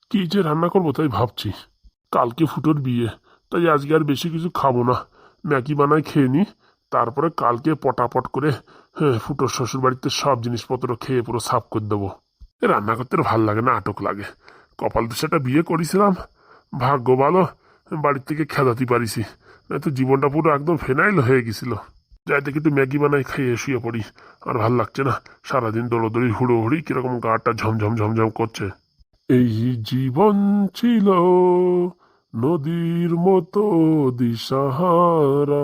কি যে রান্না করবো তাই ভাবছি। কালকে ফুটোর বিয়ে, তাই আজকে আর বেশি কিছু খাবো না। ম্যাগি বানাই খেয়ে নি, তারপরে কালকে পটাপট করে হ্যাঁ ফুটোর শ্বশুর বাড়িতে সব জিনিসপত্র খেয়ে পুরো সাফ করে দেবো। রান্না করতে আর ভাল লাগে না, আটক লাগে। কপাল তো সেটা বিয়ে করেছিলাম, ভাগ্য ভালো বাড়ির থেকে খেদাতে পারিছি, নয়তো জীবনটা পুরো একদম ফেনাইল হয়ে গেছিল। যাই থেকে একটু ম্যাগি বানাই খাইয়ে শুয়ে পড়ি, আর ভাল লাগছে না। সারাদিন দৌড়োদৌড়ি হুড়োহুড়ি কিরকম গাটা ঝমঝম ঝমঝম করছে। এই জীবন ছিল নদীর মতো দিশাহারা,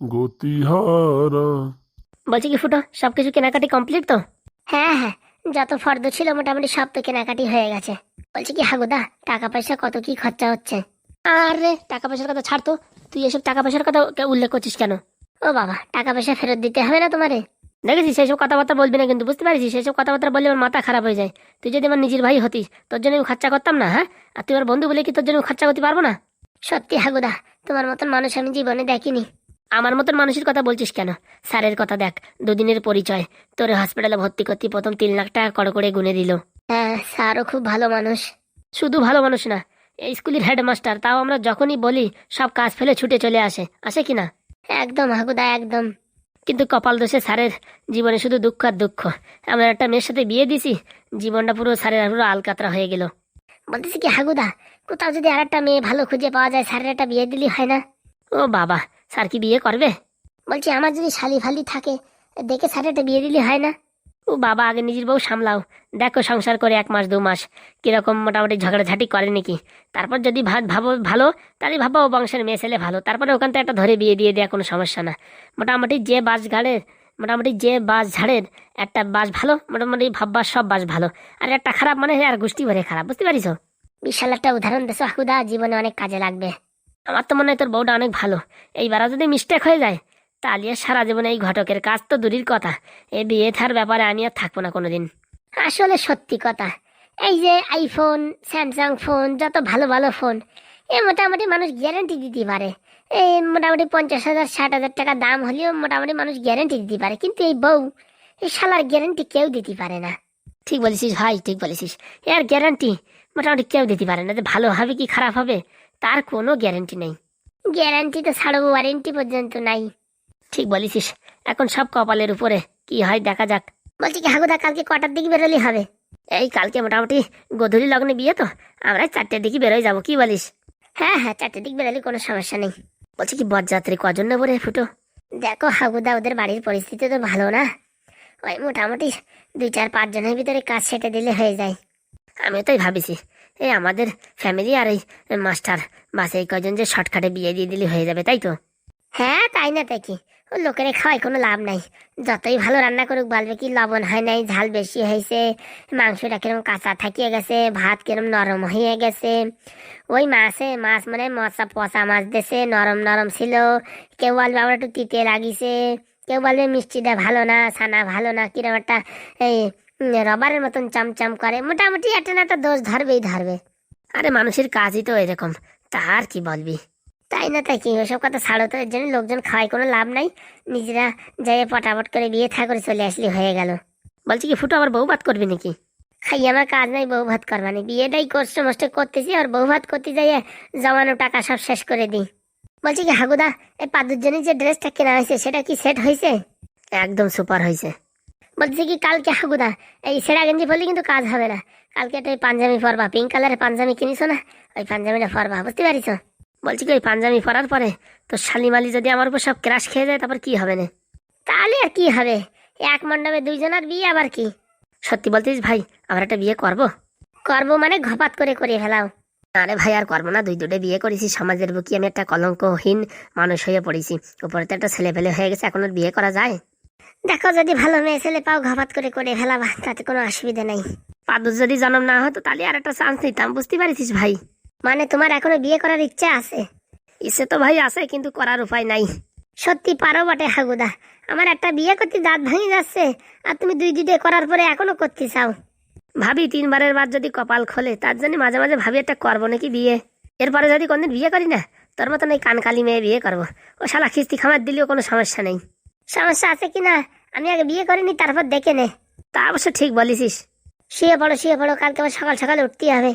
গতিহারা। বলছি কি ফুটো, সবকিছু কেনাকাটি কমপ্লিট তো? হ্যাঁ হ্যাঁ, যত ফর্দ ছিল মোটামুটি সব তো কেনাকাটি হয়ে গেছে। বলছি কি হাগুদা, টাকা পয়সা কত কি খরচা হচ্ছে? আরে টাকা পয়সার কথা ছাড় তো, তুই এসব টাকা পয়সার কথা উল্লেখ করছিস কেন? ও বাবা, টাকা পয়সা ফেরত দিতে হবে না তোমারে? দেখেছিস সেসব কথাবার্তা বলবি না কিন্তু, বুঝতে পারছিস? সেসব কথাবার্তা বললে আমার মাথা খারাপ হয়ে যায়। তুই যদি আমার নিজের ভাই হতিস, তোর জন্য আমি খরচা করতাম না? হ্যাঁ, আর তুই আমার বন্ধু বলে কি তোর জন্য খরচা করতে পারবো না? সত্যি হাগুদা, তোমার মতন মানুষ আমি জীবনে দেখিনি। আমার মতন মানুষের কথা বলছিস কেন? স্যারের কথা দেখ, দুদিনের পরিচয়, তোর হসপিটালে ভর্তি করতে প্রথম 3 লাখ টাকা করে গুনে দিল। হ্যাঁ, স্যারও খুব ভালো মানুষ। শুধু ভালো মানুষ না, এই স্কুলের হেডমাস্টার, তাও আমরা যখনই বলি সব কাজ ফেলে ছুটে চলে আসে, আসে কিনা? একদম হাগুদা, একদম। কিন্তু কপাল দোষে স্যারের জীবনে শুধু দুঃখ আর দুঃখ। আমরা একটা মেয়ের সাথে বিয়ে দিছি, জীবনটা পুরো স্যারের পুরো আলকাতরা হয়ে গেল। বলতেছি কি হাগুদা, কোথাও যদি আর একটা মেয়ে ভালো খুঁজে পাওয়া যায়, স্যারের একটা বিয়ে দিলি হয় না? ও বাবা, স্যার কি বিয়ে করবে? বলছি আমার যদি শালি ফালি থাকে, দেখে স্যারের একটা বিয়ে দিলি হয় না? ও বাবা, আগে নিজের বউ সামলাও। দেখো সংসার করে 1 মাস 2 মাস কিরকম মোটামুটি ঝগড়াঝাটি করে নাকি। তারপর যদি ভাবো ভালো, তাহলে ভাবো ও বংশের মেয়ে ছেলে ভালো, তারপরে ওখান থেকে একটা ধরে বিয়ে দিয়ে দেওয়া কোনো সমস্যা না। মোটামুটি যে বাস ঘাড়ের মোটামুটি যে বাস ঝাড়ের একটা বাস ভালো, মোটামুটি ভাববার সব বাস ভালো। আর একটা খারাপ মানে আর গোষ্ঠী ভরে খারাপ, বুঝতে পারিস? বিশাল একটা উদাহরণ দেশো হাকুদা, জীবনে অনেক কাজে লাগবে। আমার তো মনে হয় তোর বউটা অনেক ভালো। এইবারও যদি মিস্টেক হয়ে যায়, তাহলে আর সারা জীবনে এই ঘটকের কাজ তো দূরের কথা, এ বিয়ে থার ব্যাপারে আমি আর থাকবো না কোনোদিন। আসলে সত্যি কথা, এই যে আইফোন, স্যামসাং ফোন, যত ভালো ভালো ফোন, এ মোটামুটি মানুষ গ্যারান্টি দিতে পারে। এই মোটামুটি 50,000 60,000 টাকা দাম হলেও মোটামুটি মানুষ গ্যারান্টি দিতে পারে, কিন্তু এই বউ, এই শালার গ্যারান্টি কেউ দিতে পারে না। ঠিক বলেছিস ভাই, ঠিক বলেছিস। এর গ্যারান্টি মোটামুটি কেউ দিতে পারে না, যে ভালো হবে কি খারাপ হবে তার কোনো গ্যারান্টি নেই। গ্যারান্টি তো ছাড়ো, ওয়ারেন্টি পর্যন্ত নাই। ঠিক বলেছিস, এখন সব কপালের উপরে, কি হয় দেখা যাক। বলছি কি হাগুদা, কালকে কটার দিকে বেরোলে হবে? এই কালকে মোটামুটি গোধূলি লগ্নে বিয়ে তো, আমরা 4টের দিকে বেরোয় যাবো, কি বলিস? হ্যাঁ হ্যাঁ, 4টের দিকে বেরোলে কোনো সমস্যা নেই। বলছি কি বরযাত্রী কজন নেবো রে ফুটো? দেখো হাগুদা, ওদের বাড়ির পরিস্থিতি তো ভালো না, ওই মোটামুটি 2 4 5 জনের ভিতরে কাজ সেটে দিলে হয়ে যায়। আমিও তাই ভাবিছি, এই আমাদের ফ্যামিলি আর এই মাস্টার, বাস এই কজন যে শর্টকাটে বিয়ে দিয়ে দিলে হয়ে যাবে, তাই তো? হ্যাঁ, তাই না তাই কি? ও লোকেরে খাওয়াই কোনো লাভ নাই। যতই ভালো রান্না করুক বলবে কি লবণ হয় নাই, ঝাল বেশি হয়েছে, মাংসটা কিরম কাঁচা থাকিয়ে গেছে, ভাত কিরম নরম হয়ে গেছে। ওই মাছ মানে মশা পচা মাছ দেশে নরম নরম ছিল। কেউ বলবে আমার একটু তিতে লাগিছে, কেউ বলবে মিষ্টিটা ভালো না, ছানা ভালো না, কিরম একটা এই রবারের মতন চামচাম করে। মোটামুটি একটা না একটা দোষ ধরবেই ধরবে। আরে মানুষের কাজই তো এরকম, তার কি বলবি? তাই না তাই কি? ওসব কথা ছাড়ো তো, এর জন্য লোকজন খাওয়াই কোনো লাভ নাই। নিজেরা যাই পটাপট করে বিয়ে থা করে চলে আসলে হয়ে গেল। বলছি কি ফুটো, আবার বউ ভাত করবি নাকি? খাই আমার কাজ নাই বউ ভাত করবানি, বিয়েটাই কষ্ট মষ্ট করতেছি, আর বউ ভাত করতে যাইয়ে জমানো টাকা সব শেষ করে দিই। বলছি কি হাগুদা, এই পাদুর জন্য যে ড্রেসটা কেনা হয়েছে সেটা কি সেট হয়েছে? একদম সুপার হয়েছে। বলছি কি কালকে হাগুদা, এই সেরা গেঞ্জি পরলে কিন্তু কাজ হবে না। কালকে একটা ওই পাঞ্জাবি পরবা, পিঙ্ক কালারের পাঞ্জাবি কিনিস না, ওই পাঞ্জাবিটা পরবা, বুঝতে পারিস? বলছি কি ওই পাঞ্জাবি পরার পরে তো শালিমালি যদি আমার উপর সব ক্রাশ খেয়ে যায়, তারপর কি হবে না? তাহলে আর কি হবে, এক মণ্ডপে 2 জনের বিয়ে আবার কি? সত্যি বলতিস ভাই, আমরা একটা বিয়ে করব? করবো মানে ঘপাত করে করে ফেলাও। আরে ভাই আর করবো না, 2 2টে বিয়ে করেছি, সমাজের বুকি আমি একটা কলঙ্কহীন মানুষ হয়ে পড়েছি, উপরে তো একটা ছেলে ফেলে হয়ে গেছে, এখন আর বিয়ে করা যায়? দেখো যদি ভালো মেয়ে ছেলে পাও ঘপাত করে করে ফেলাবা, তাতে কোনো অসুবিধা নেই। পাদুর যদি জন্ম না হতো তাহলে আর একটা চান্স নিতাম, বুঝতে পারিস ভাই? মানে তোমার এখনো বিয়ে করার ইচ্ছা আছে? ইচ্ছে তো ভাই আছে, কিন্তু করার উপায় নাই। সত্যি পারো বটে হাগুদা, আমার একটা বিয়ে করতে দাঁত ভেঙে যাচ্ছে, আর তুমি 2 2টে করার পরে এখনো করতে চাও? ভাবি 3বারের বার যদি কপাল খোলে, তার জন্য মাঝে মাঝে ভাবি একটা করবো নাকি বিয়ে। এরপরে যদি কোনদিন বিয়ে করি না, তোর মতন এই কানকালি মেয়ে বিয়ে করবো। ও শালা খিস্তি খামার দিলেও কোনো সমস্যা নেই। সমস্যা আছে কিনা আমি আগে বিয়ে করিনি, তারপর দেখে নে। তা অবশ্য ঠিক বলিস। শুয়ে পড়ো শুয়ে পড়ো, কালকে আবার সকাল সকাল উঠতে হবে।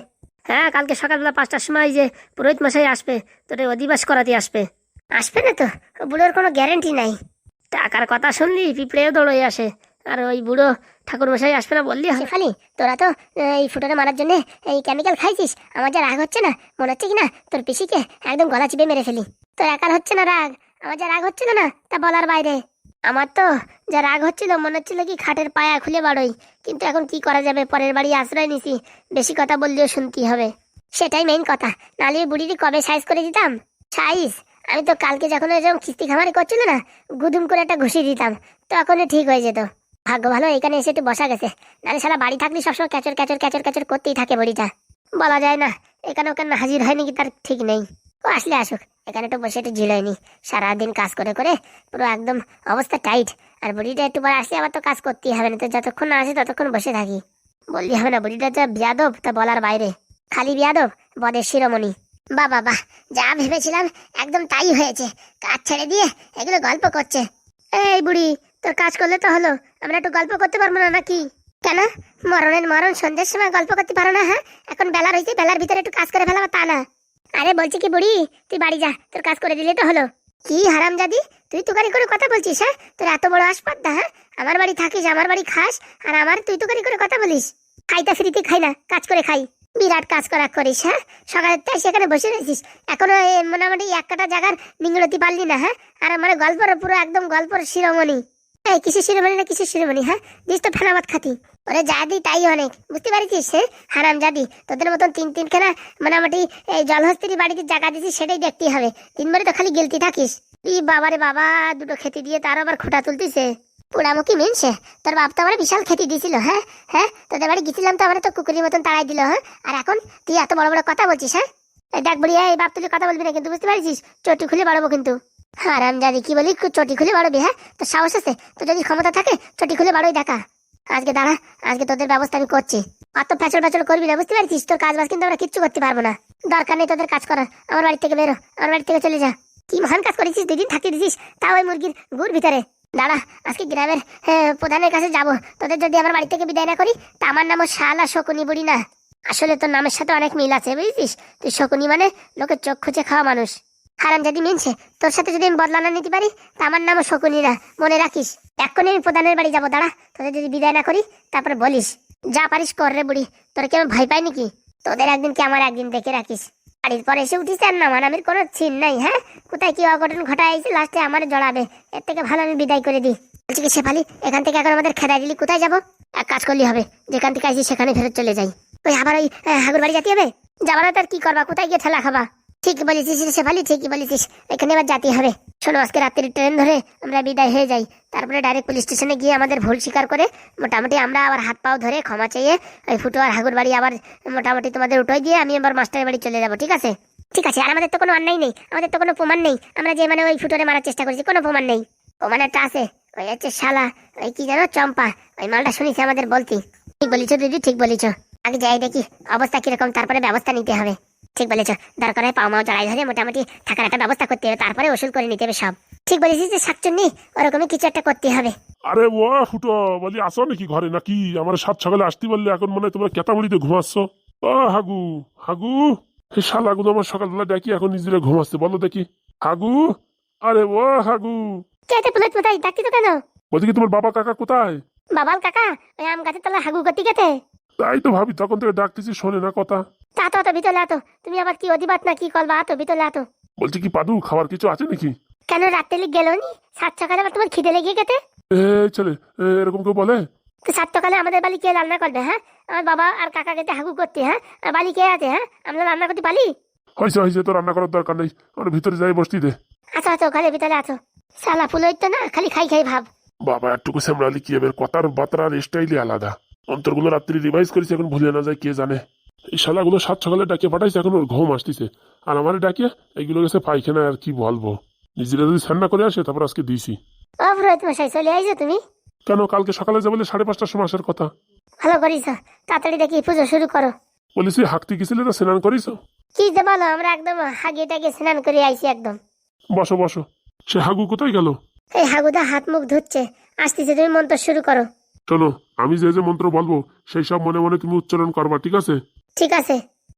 হ্যাঁ, কালকে সকালবেলা 5টার সময় যে পুরোহিত মশাই আসবে, তোর এই অধিবাস করাতে আসবে। আসবে না তো, ও বুড়োর কোনো গ্যারেন্টি নাই। টাকার কথা শুনলি পিঁপড়েও দৌড়ে আসে, আর ওই বুড়ো ঠাকুর মশাই আসবে না বললি হয়? শেফালি, তোরা তো এই ফুটোটা মারার জন্য এই কেমিক্যাল খাইছিস। আমার যা রাগ হচ্ছে না, মনে হচ্ছে কি না তোর পিসিকে একদম গলা চিপে মেরে ফেলি। তোর একার হচ্ছে না রাগ, আমার যা রাগ হচ্ছিল না তা বলার বাইরে। আমার তো যা রাগ হচ্ছিল মনে হচ্ছিল কি খাটের পায়া খুলে বাড়ই, কিন্তু এখন কি করা যাবে, পরের বাড়ি আশ্রয় নিছি, বেশি কথা বললেও শুনতেই হবে। সেটাই মেইন কথা, নাহলে ওই বুড়িটি কবে সাইজ করে দিতাম। সাইজ আমি তো কালকে যখন এরকম কিস্তি খামারি করছিল না, গুদুম করে একটা ঘুষি দিতাম, তখনই ঠিক হয়ে যেত। ভাগ্য ভালো এখানে এসে একটু বসা গেছে, নাহলে সারা বাড়ি থাকলে সবসময় ক্যাচর ক্যাচর ক্যাচর ক্যাচর করতেই থাকে বুড়িটা। বলা যায় না এখানে ওখানে হাজির হয় নাকি তার ঠিক নেই। ও আসলে আসুক, এখানে একটু বসে একটু ঝিলাইনি, সারাদিন কাজ করে করে পুরো একদম অবস্থা টাইট। আর বুড়িটা একটু পরে আসলে আবার তো কাজ করতেই হবে না, তো যতক্ষণ না আসে ততক্ষণ বসে থাকি। বললি হবে না, বুড়িটা যা বিয়াদব তা বলার বাইরে। খালি বিয়াদব, বদের শিরোমণি। বাহ বাহ বাহ, যা ভেবেছিলাম একদম তাই হয়েছে। কাজ ছেড়ে দিয়ে এগুলো গল্প করছে। এই বুড়ি, তোর কাজ করলে তো হলো, আমরা একটু গল্প করতে পারবো না নাকি? কেন, মরণের মরণ সন্ধ্যের সময় গল্প করতে পারো না? হ্যাঁ, এখন বেলা রয়েছে, বেলার ভিতরে একটু কাজ করে ফেলাবো তা না। আরে বলছি কি বুড়ি, তুই বাড়ি যা, তোর কাজ করে দিলে তো হলো। কি হারামজাদি, তুই তুকারি করে কথা বলছিস? হ্যাঁ, তোর এত বড় আসপাদ্দা? হ্যাঁ, আমার বাড়ি থাকিস, আমার বাড়ি খাস, আর আমার তুই তুকারি করে কথা বলিস? খাইতা ফ্রিতে খাই না, কাজ করে খাই। বিরাট কাজ করা করিস। হ্যাঁ, সকালের তাই সেখানে বসে রয়েছিস, এখনো মোটামুটি এক কাটা জায়গার নিংড়তি পারলি না। হ্যাঁ, আর মানে গল্পর পুরো একদম গল্পর শিরোমণি। এই কিসের শিরোমণি না কিসের শিরোমণি? হ্যাঁ, দিস তো ফেনাবাদ খাতি। ওরে যা দি তাই অনেক, বুঝতে পারছিস? হ্যাঁ, হারাম জাদি, তোদের মতন তিনখানা মোটামুটি এই জলহস্তির বাড়িতে জায়গা দিছিস, সেটাই দেখতে হবে। দিনভরে তো খালি গেলতি থাকিস। ই বাবারে বাবা, দুটো খেতে দিয়ে তার আবার খোটা তুলতিছে। পোড়ামুখী মিনছে, তোর বাপ তো আমার বিশাল খেতে দিয়েছিল। হ্যাঁ হ্যাঁ, তোদের বাড়ি গেছিলাম তো আমার তো কুকুরের মতন তাড়াই দিল। হ্যাঁ, আর এখন তুই এত বড় বড় কথা বলছিস? হ্যাঁ, এই দেখ বুড়ি, এই বাপ তুই কথা বলবি না কিন্তু, বুঝতে পারছিস? চটি খুলে বাড়াবো কিন্তু। হারাম জাদি, কি বলি চটি খুলে বাড়বি? হ্যাঁ, তোর সাহস আছে, তোর যদি ক্ষমতা থাকে চটি খুলে বাড়োই দেখা। আজকে দাঁড়া, আজকে তোদের ব্যবস্থা আমি করছি। অত ফ্যাচল ফ্যাচল করবি না, বুঝতে পারছিস? তোর কাজ বাজ কিন্তু আমরা কিচ্ছু করতে পারবো না। দরকার নেই তোদের কাজ করার, আমার বাড়ি থেকে বেরো, আমার বাড়ি থেকে চলে যা। কি মহান কাজ করেছিস, 2 দিন থাকতে দিছিস, তাও ওই মুরগির গুড় ভিতরে। দাঁড়া, আজকে গ্রামের প্রধানের কাছে যাব, তোদের যদি আমার বাড়ি থেকে বিদায় না করি তা আমার নামও শালা শকুনি বুড়ি না। আসলে তোর নামের সাথে অনেক মিল আছে, বুঝছিস? তুই শকুনি মানে লোকের চোখ খুঁজে খাওয়া মানুষ। হারাম যদি মিনছে, তোর সাথে যদি আমি বদলা না নিতে পারি তা আমার নামও শকুনি না, মনে রাখিস। এক্ষুনি আমি প্রধানের বাড়ি যাবো, দাঁড়া, তোদের যদি বিদায় না করি তারপরে বলিস। যা পারিস কর রে বুড়ি, তোর কি আমি ভয় পাই নাকি? তোদের একদিন কি আমার একদিন, দেখে রাখিস। বাড়ির পরে এসে উঠিস আর না মানামির কোনো ছিন নাই। হ্যাঁ, কোথায় কি অঘটন ঘটাইছে লাস্টে আমার জড়াবে, এর থেকে ভালো আমি বিদায় করে দিই। বলছি কি শেফালি, এখান থেকে এখন আমাদের খেদাই দিলি কোথায় যাবো? এক কাজ করলি হবে, যেখান থেকে আইসি সেখানে ফেরত চলে যাই। ওই আবার ওই হাগুর বাড়ি যেতে হবে? যাবা না তার কি করবা, কোথায় গিয়ে ঠেলা খাবা? ঠিক বলেছিস রে শেফালি, ঠিকই বলেছিস, এখানে এবার যেতে হবে। শোনো, আজকে রাত্রির ট্রেন ধরে আমরা বিদায় হয়ে যাই, তারপরে ডাইরেক্ট পুলিশ স্টেশনে গিয়ে আমাদের ভুল স্বীকার করে মোটামুটি আমরা আবার হাত পাও ধরে ক্ষমা চেয়ে ওই ফুটো আর হাগুর বাড়ি আবার মোটামুটি তোমাদের উঠোই দিয়ে আমি আবার মাস্টারের বাড়ি চলে যাবো। ঠিক আছে? ঠিক আছে। আর আমাদের তো কোনো অন্যায় নেই, আমাদের তো কোনো প্রমাণ নেই, আমরা যে মানে ওই ফুটোরে মারার চেষ্টা করেছি, কোনো প্রমাণ নেই। প্রমাণ একটা আছে, ওই হচ্ছে শালা, ওই কি জানো, চম্পা, ওই মালটা শুনেছি আমাদের বলতি। ঠিক বলিছ দিদি, ঠিক বলিছ। আগে যাই দেখি অবস্থা কিরকম, তারপরে ব্যবস্থা নিতে হবে। ঠিক বলেছ, দরকার হয় পাও মাও জড়াই ধরে মোটামুটি থাকার একটা ব্যবস্থা করতে হবে, তারপরে ওষুধ করে নিতে হবে সব। ঠিক বলেছিস যে শাকচুন্নি, ওরকমই কিছু একটা করতে হবে। আরে ও ফুটো, বলি আসো নাকি ঘরে নাকি? আমার 7 সকালে আসতে বললে, এখন মনে হয় তোমরা কেতামুড়িতে ঘুমাচ্ছ। ও হাগু, হাগু, হে শালাগুলো আমার সকালবেলা দেখি এখন নিজেরা ঘুমাচ্ছে, বলো দেখি। হাগু, আরে ও হাগু। চেতে পুলে কোথায় ডাকতি তো কেন? বলছি কি তোমার বাবা কাকা কোথায়? বাবাল কাকা ওই আম গাছের তলা হাগু গতি গেতে। তাই তো ভাবি, তখন থেকে ডাকতেছি শোনে না কথা। তা তো ভিতরে আতো, তুমি আবার কি অধিবাত না কি করবা? আতো ভিতরে আতো। বলছি কি পাদু, খাবার কিছু আছে নাকি? কেন, রাত্রে লিখ গেল নি? 7 সকালে আবার তোমার খিদে লেগে গেতে? ছেলে, এরকম কেউ বলে? তো 7 সকালে আমাদের বাড়ি কে রান্না করবে? হ্যাঁ, আমার বাবা আর কাকা গেতে হাগু করতে। হ্যাঁ, আর বাড়ি কে আছে? হ্যাঁ, আমরা রান্না করতে পারি? হয়েছে হয়েছে, তো রান্না করার দরকার নেই, আমার ভিতরে যাই বসতি দে। আচ্ছা আচ্ছা, ওখানে ভিতরে আছো। সালা ফুল হইতো না, খালি খাই খাই ভাব। বাবা একটুকু সামলালি কি হবে, কথার বার্তার স্টাইলই আলাদা। অন্তরগুলো রাত্রি রিভাইজ করেছে, এখন ভুলে না যায় কে জানে। এই শালাগুলো 7 সকালে ডাকিয়ে পাঠাইছে, এখন ওর ঘুম আসতেছে, আর আমার ডাকিয়ে এইগুলো গেছে পায়খানা। আর কি বলবো, নিজেরা যদি রান্না করে আসে তারপর আজকে দিয়েছি। ও পুরোহিত মশাই, চলে আইছো তুমি? কেন, কালকে সকালে যাবো 5:30টার সময় আসার কথা। ভালো করিস, তাড়াতাড়ি দেখি পুজো শুরু করো। বলিস হাঁকতে গেছিলে তো, স্নান করিস? কি যে বলো, আমরা একদম হাগিয়ে টাগিয়ে স্নান করে আইছি একদম। বসো বসো। সে হাগু কোথায় গেল? এই হাগুদা হাত মুখ ধুচ্ছে, আসতেছে, তুমি মন্ত্র শুরু করো। শোনো, আমি যে যে মন্ত্র বলবো সেই সব মনে মনে তুমি উচ্চারণ করবা, ঠিক আছে? ঠিক আছে।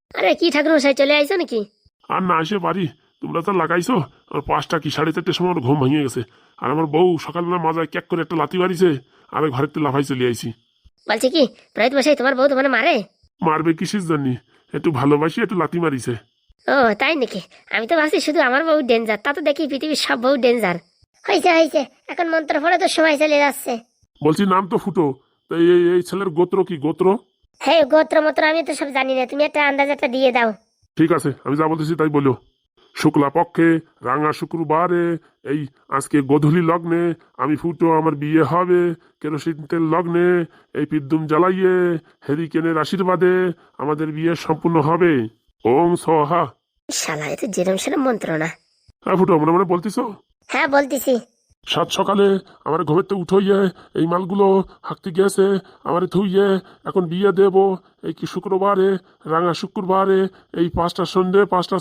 আরে কি ঠাকুর মশাই চলে আইছো নাকি? আর না এসে পারি, তোমরা তো লাগাইছো। আর 5টা কি 4:30টার সময় আমার ঘুম ভেঙে গেছে। আর আমার বউ সকালবেলা মাজায় ক্যাক করে একটা লাথি মারিছে, আর ঘরের তো লাফাই চলে আইছি। বলছি কি প্রহিত মশাই তোমার বউ তোমার মারে? মারবে কিসের জন্য? একটু ভালোবাসি একটু লাথি মারিছে। ও তাই নাকি? আমি তো ভাবছি শুধু আমার বউ ডেঞ্জার, তা তো দেখি পৃথিবীর সব বউ ডেঞ্জার। হয়েছে হয়েছে, এখন মন্ত্র পড়ে তো সময় চলে যাচ্ছে। বলছি নাম তো ফুটো, তো এই ছেলের গোত্র কি গোত্র? হ্যাঁ গোত্র মন্ত্র আমি তো সব জানি না, তুমি একটা আন্দাজ একটা দিয়ে দাও। ঠিক আছে, আমি যা বলতেছি তাই বলো। শুক্লা পক্ষে রাঙা শুক্রবারে এই আজকে গোধূলি লগ্নে আমি ফুটো আমার বিয়ে হবে কেরোসিন তেল লগ্নে এই পিদ্দুম জ্বালাইয়ে হেরিকেনের আশীর্বাদে আমাদের বিয়ে সম্পূর্ণ হবে। ওম সোহা। শালা এ তো যেরম সেরম মন্ত্র না। হ্যাঁ ফুটো, মনে মনে বলতিস? হ্যাঁ বলতেছি। সাত সকালে আমার ঘুমের তো উঠইয়ে এই মালগুলো হাঁকতে গেছে আমার থুইয়ে এখন বিয়ে দেব এই কি শুক্রবারে রাঙা শুক্রবারে এই 5টা সন্ধ্যে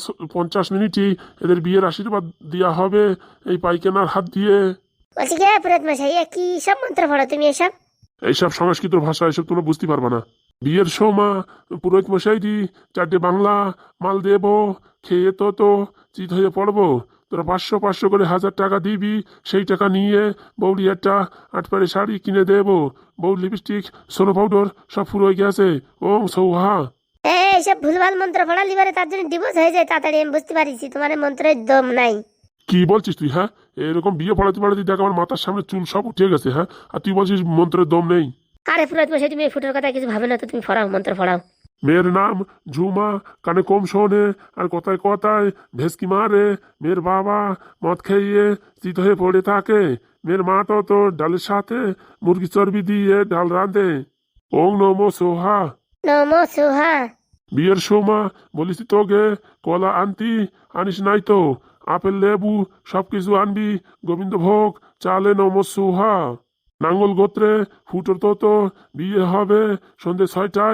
5:50 এদের বিয়ের আশীর্বাদ দেওয়া হবে এই পাইকেনার হাত দিয়ে। বলছি কি প্রহিত মশাই এ কি সব মন্ত্র পড়ো তুমি এসব? এইসব সংস্কৃত ভাষা এসব তোমরা বুঝতে পারবা না। বিয়ের সময় পুরোহিত মশাইদি 4টে বাংলা মাল দেব, খেয়ে তো চিত হয়ে পড়বো। তোরা 500 করে 1000 টাকা দিবি, সেই টাকা নিয়ে বৌরি একটা 8 পাড়ে শাড়ি কিনে দেবো। বউ লিপস্টিক সোনো পাউডার সব ফুরো হয়ে গেছে। ওম সৌহা। এইসব ভুলভাল মন্ত্র পড়া লিবারে তার জন্য ডিভোর্স হয়ে যায় তাড়াতাড়ি, আমি বুঝতে পারিছি তোমার এই মন্ত্রের দম নাই। কি বলছিস তুই? হ্যাঁ, এরকম বিয়ে পড়াতে পড়াতে দেখ আমার মাথার সামনে চুল সব উঠে গেছে। হ্যাঁ, আর তুই বলছিস মন্ত্রের দম নেই? আরে প্রহিত মশাই তুমি এই ফুটোর কথা কিছু ভাবে না তো, তুমি পড়াও মন্ত্র পড়াও। মেয়ের নাম ঝুমা, কানে কম শোনে আর কথায় কথায় ভেসকি মারে। মেয়ের বাবা মদ খেয়ে চিত হয়ে পড়ে থাকে। মেয়ের মা তো ডালের সাথে মুরগি চর্বি দিয়ে ডাল রাঁধে। ওং নমো সোহা। নমো সোহা। বিয়ের সময় বলিস তোকে কলা আনতি, আনিস নাই তো আপেল লেবু সবকিছু আনবি। গোবিন্দভোগ চালে নমো সোহা। নাঙ্গল গোত্রে ফুটোর তো বিয়ে হবে সন্ধ্যে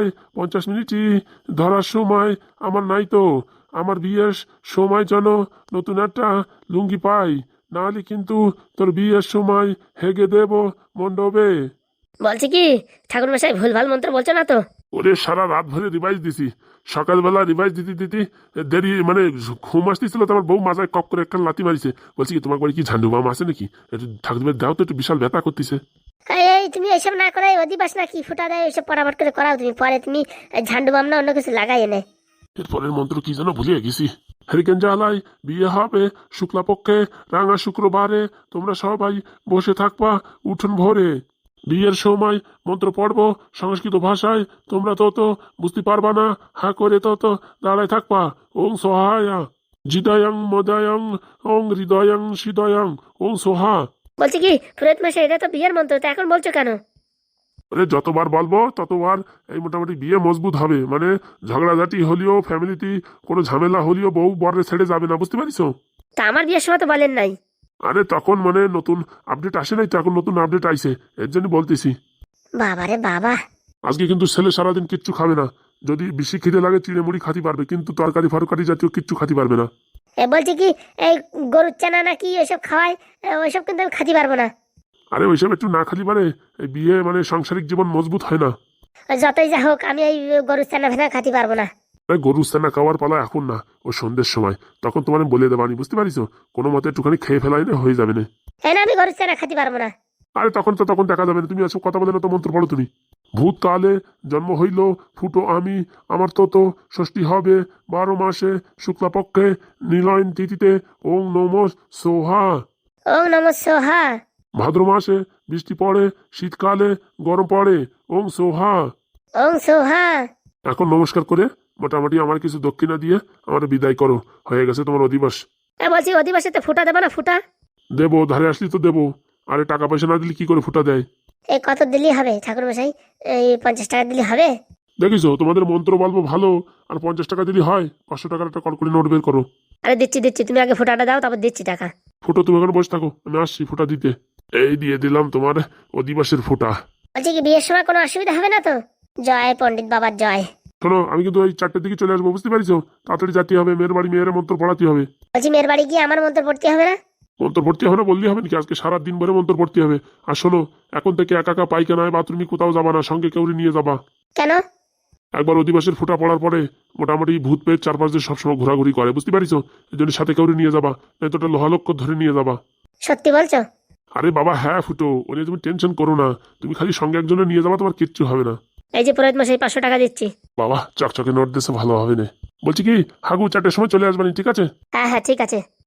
6:50 ধরার সময় আমার নাই তো। আমার বিয়ের সময় যেন নতুন একটা লুঙ্গি পাই, নাহলে কিন্তু তোর বিয়ের সময় হেগে দেব মণ্ডপে। বলছি কি ঠাকুর মশাই ভুলভাল মন্ত্র বলছো না তো? ওরে সারা রাত ভরে রিভাইজ দিছি, সকালবেলা রিভাইজ দিতে দিতে দেরি মানে ঘুম আসতেছিল তো আমার বউ মাথায় কপ করে একটা লাথি মারিছে। বলছি কি তোমার বাড়ি কি ঝান্ডু বাম আছে নাকি? একটু ঠাকুর দাও তো, একটু বিশাল ব্যথা করতেছে। এই তুমি এইসব না করে অধিবাস না কি ফুটা দেয় ওইসব পরামর্শ করে করাও তুমি, পরে তুমি ঝান্ডু বাম না অন্য কিছু লাগাই এনে। এরপরের মন্ত্র কি যেন ভুলিয়ে গেছি। হরিকেন জ্বালাই বিয়ে হবে শুক্লা পক্ষে রাঙা শুক্রবারে তোমরা সবাই বসে থাকবা উঠোন ভরে। বিয়ের সময় মন্ত্র পড়ব সংস্কৃত ভাষায়, তোমরা তো বুঝতে পারবা না, হা করে তো দাঁড়ায় থাকবা। ওং সহায়া জিদায়ং মদায়ং ওং হৃদয়ং হৃদয়ং ওং সোহা। বলছি কি পুরোহিত মশাই এটা তো বিয়ের মন্ত্র, তো এখন বলছো কেন? মানে যতবার বলবো ততবার এই মোটামুটি বিয়ে মজবুত হবে। মানে ঝগড়াঝাটি হলেও ফ্যামিলিতে কোনো ঝামেলা হলেও বউ বরে ছেড়ে যাবে না, বুঝতে পারিস? তা আমার বিয়ের সময় তো বলেন নাই। আরে তখন মানে নতুন আপডেট আসে নাই তো, এখন নতুন আপডেট আইছে এর জন্য বলতেছি। বাবারে বাবা। আজকে কিন্তু ছেলে সারাদিন কিচ্ছু খাবে না। যদি বেশি খিদে লাগে চিড়ে মুড়ি খাতে পারবে, কিন্তু তরকারি ফরকারি জাতীয় কিচ্ছু খাতে পারবে না। বলছি কি এই গরুর চানা নাকি ওইসব খাওয়ায়, ওইসব কিন্তু আমি খাতে পারবো না। আরে ওইসব একটু না খালি পারে এই বিয়ে মানে সাংসারিক জীবন মজবুত হয় না। যতই যা হোক আমি এই গরুর চানা ভেনা খাতে পারবো না। আরে গরু স্থানা খাওয়ার পালা এখন না, ও সন্ধ্যের সময়, তখন তোমার আমি বলে দেবানি, বুঝতে পারিস? কোনো মতে একটুখানি খেয়ে ফেলাই না হয়ে যাবে না। হ্যাঁ না আমি গরুর চানা খাতে পারবো না। আরে তখন দেখা যাবে না, তুমি এসব কথা বলে না তো মন্ত্র পড়ো তুমি। ভূতকালে জন্ম হইল ফুটো আমি, আমার তো ষষ্ঠী হবে 12 মাসে শুক্লাপক্ষে নীলয়ন তিথিতে। ওং নমঃ সোহা। ওং নমঃ সোহা। ভাদ্র মাসে বৃষ্টি পড়ে, শীতকালে গরম পড়ে। ওং সোহা। ওং সোহা। এখন নমস্কার করে মোটামুটি আমার কিছু দক্ষিণা দিয়ে আমার বিদায় করো, হয়ে গেছে তোমার অধিবাস। বলছি অধিবাসীতে ফুটা দেবো না ফুটা? দেবো, ধারে আসলি তো দেবো। আরে টাকা পয়সা না দিলে কি করে ফুটা দেয়? এই কত দিলেই হবে ঠাকুর মশাই? এই 50 টাকা দিলে হবে? দেখিস তোমাদের মন্ত্র বলবো ভালো, আর 50 টাকা দিলে হয়? 500 টাকার একটা কড়কড়ি নোট বের করো। আরে দিচ্ছি দিচ্ছি, তুমি আগে ফুটাটা দাও তারপর দিচ্ছি টাকা। ফুটো তুমি এখানে বসে থাকো, আমি আসছি ফুটা দিতে। এই দিয়ে দিলাম তোমার অধিবাসের ফুটা। বলছি কি বিয়ের সময় কোনো অসুবিধা হবে না তো? জয় পণ্ডিত বাবার জয়। শোনো আমি কিন্তু ওই 4টের দিকে চলে আসবো, বুঝতে পারিস? তাড়াতাড়ি যেতে হবে, মেয়ের বাড়ি মেয়ের মন্ত্র পড়াতে হবে। বলছি মেয়ের বাড়ি গিয়ে আমার মন্ত্র পড়তে হবে না? মন্ত্র পড়তে হবে না বললেই হবে নাকি? আজকে সারা দিন ভরে মন্ত্র পড়তে হবে। আর শোনো এখন থেকে একা একা পাইখানায় বাথরুমে কোথাও যাবা না, সঙ্গে কেউ নিয়ে যাবা। কেন? একবার অধিবাসের ফুটা পড়ার পরে মোটামুটি ভূত পেয়ে চারপাশ দিয়ে সবসময় ঘোরাঘুরি করে, বুঝতে পারিস? এই জন্য সাথে কাউরে নিয়ে যাবা, নয়তো ওটা লোহালক্ষ্য ধরে নিয়ে যাবা। সত্যি বলছো? আরে বাবা হ্যাঁ ফুটো, ও নিয়ে তুমি টেনশন করো না। তুমি খালি সঙ্গে একজনে নিয়ে যাবা, তোমার কিচ্ছু হবে না। এই যে পুরোহিত মশাই 500 টাকা দিচ্ছি। বাবা চকচকে নোট দিয়েছে, ভালো হবে না। বলছি কি, হাগু 4টের সময় চলে আসবানি, ঠিক আছে? হ্যাঁ হ্যাঁ ঠিক আছে।